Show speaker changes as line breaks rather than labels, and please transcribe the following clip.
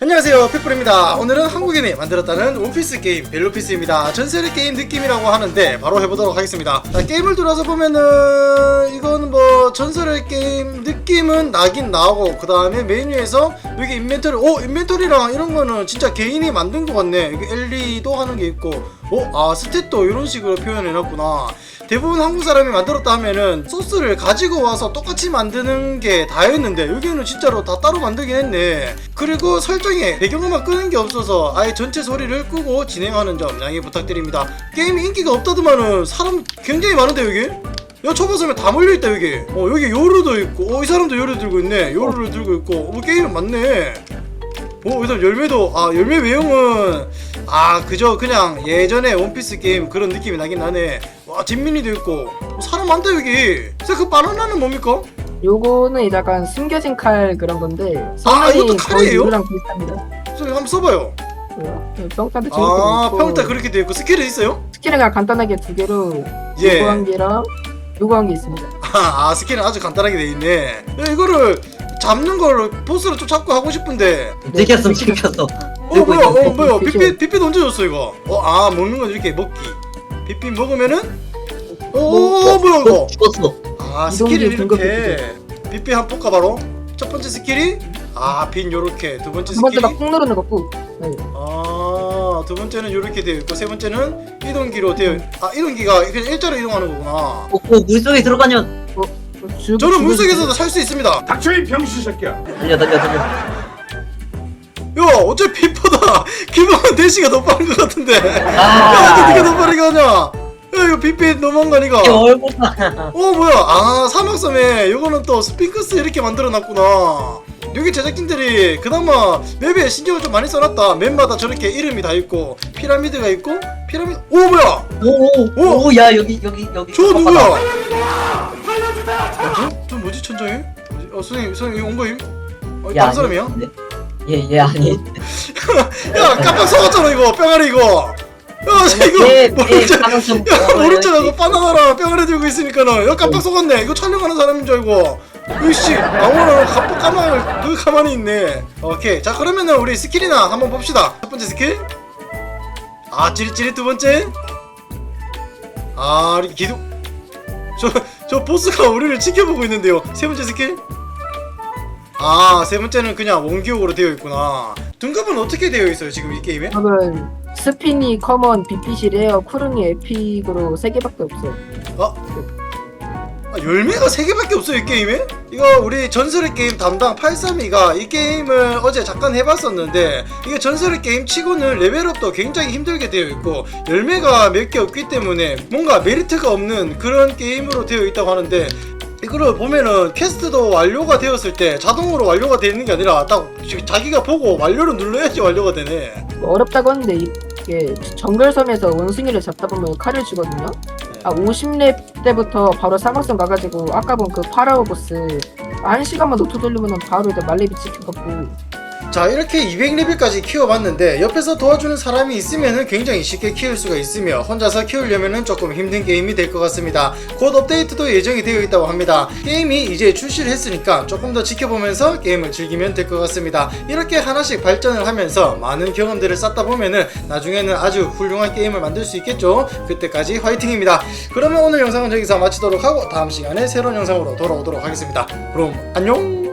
안녕하세요, 팩불입니다. 오늘은 한국인이 만들었다는 원피스 게임 벨로피스입니다. 전세계 게임 느낌이라고 하는데 바로 해보도록 하겠습니다. 자, 게임을 들어서 보면은 이건 뭐 전설의 게임 느낌은 나긴 나고, 그 다음에 메뉴에서 여기 인벤토리, 인벤토리랑 이런 거는 진짜 개인이 만든 것 같네. 여기 엘리도 하는 게 있고, 스탯도 이런 식으로 표현해놨구나. 대부분 한국 사람이 만들었다 하면은 소스를 가지고 와서 똑같이 만드는 게 다였는데 여기는 진짜로 다 따로 만들긴 했네. 그리고 설정에 배경음악 끄는 게 없어서 아예 전체 소리를 끄고 진행하는 점 양해 부탁드립니다. 게임이 인기가 없다더만은 사람 굉장히 많은데 여기? 야, 초보섬에 다 몰려있다 여기. 여기 요루도 있고, 이 사람도 요루 들고 있네. 요루를 들고 있고, 게임은 많네. 이 사람 열매도, 열매 외형은 그저 그냥 예전에 원피스 게임 그런 느낌이 나긴 나네. 와, 진민이도 있고, 사람 많다 여기. 그 바나나는 뭡니까?
요거는 약간 숨겨진 칼 그런 건데
이것도 칼이에요?
이거랑 비슷합니다.
한번 써봐요.
평타도 재밌고
평타 그렇게 되어 있고, 스킬은 있어요?
스킬은 그냥 간단하게 두 개로
예.
요거 한 개랑 요거 한 개 있습니다.
스킬은 아주 간단하게 돼 있네. 야, 이거를 잡는 걸 보스를 좀 잡고 하고 싶은데.
찍혔어.
뭐야 빛빛 언제 줬어 이거? 먹는 건 이렇게 먹기. 빛빛 먹으면은 뭐야 이거?
죽었어.
스킬이
등급
이렇게 빛빛 한번 볼까 바로. 첫 번째 스킬이 빛 요렇게. 두 번째
두 번째
스킬이
막꾹 누르는 거 꾹. 네.
두 번째는 요렇게 되어 있고, 세 번째는 이동기로 되어. 이동기가 그냥 일자로 이동하는 거구나.
물속에 들어가면
저는 물속에서도 살 수 있습니다.
닥쳐 이 병신 새끼야.
달려.
야, 어차피 빛보다 기본 대시가 더 빠른 것 같은데. 야, 어떻게 더 빠르게 하냐? 야, 이거 빛빛 너무한 거 아니가?
얼굴
뭐야? 사막섬에 요거는 또 스핑크스 이렇게 만들어놨구나. 여기 제작진들이 그나마 맵에 신경을 좀 많이 써놨다. 맵마다 저렇게 이름이 다 있고, 피라미드가 있고, 뭐야?
야 여기
저 누구야? 저 뭐지, 천장에? 선생님 이거 온 거임? 다른 사람이야?
얘 아니.
야, 깜빡 속았잖아 이거, 뿅아리 이거. 모르잖아. 이거 바나나랑 뿅아리 들고 있으니까는. 야, 깜빡 속았네. 이거 촬영하는 사람인 줄 알고. 으이씨, 아무나 가만히 있네. 오케이, 자 그러면은 우리 스킬이나 한번 봅시다. 첫 번째 스킬. 찌릿찌릿. 두 번째. 이렇게 기둥. 저 보스가 우리를 지켜보고 있는데요. 세 번째 스킬. 세 번째는 그냥 원기옥으로 되어 있구나. 등급은 어떻게 되어 있어요 지금 이 게임에?
저는 스피니, 커먼, 빛빛이 레어, 쿠르니, 에픽으로 3개밖에 없어요.
열매가 3개밖에 없어요 이 게임에? 이거 우리 전설의 게임 담당 832가 이 게임을 어제 잠깐 해봤었는데, 이게 전설의 게임 치고는 레벨업도 굉장히 힘들게 되어 있고 열매가 몇 개 없기 때문에 뭔가 메리트가 없는 그런 게임으로 되어 있다고 하는데, 이거를 보면은 퀘스트도 완료가 되었을 때 자동으로 완료가 되는 게 아니라 딱 자기가 보고 완료를 눌러야지 완료가 되네.
어렵다고 하는데 이게 정글섬에서 원숭이를 잡다 보면 칼을 주거든요. 50렙 때부터 바로 사막섬 가가지고 아까 본 그 파라오 보스 1시간만 노트 돌리면 바로 이제 말레비 찍혀갖고.
자, 이렇게 200레벨까지 키워봤는데 옆에서 도와주는 사람이 있으면 굉장히 쉽게 키울 수가 있으며, 혼자서 키우려면 조금 힘든 게임이 될 것 같습니다. 곧 업데이트도 예정이 되어 있다고 합니다. 게임이 이제 출시를 했으니까 조금 더 지켜보면서 게임을 즐기면 될 것 같습니다. 이렇게 하나씩 발전을 하면서 많은 경험들을 쌓다 보면은 나중에는 아주 훌륭한 게임을 만들 수 있겠죠. 그때까지 화이팅입니다. 그러면 오늘 영상은 여기서 마치도록 하고 다음 시간에 새로운 영상으로 돌아오도록 하겠습니다. 그럼 안녕.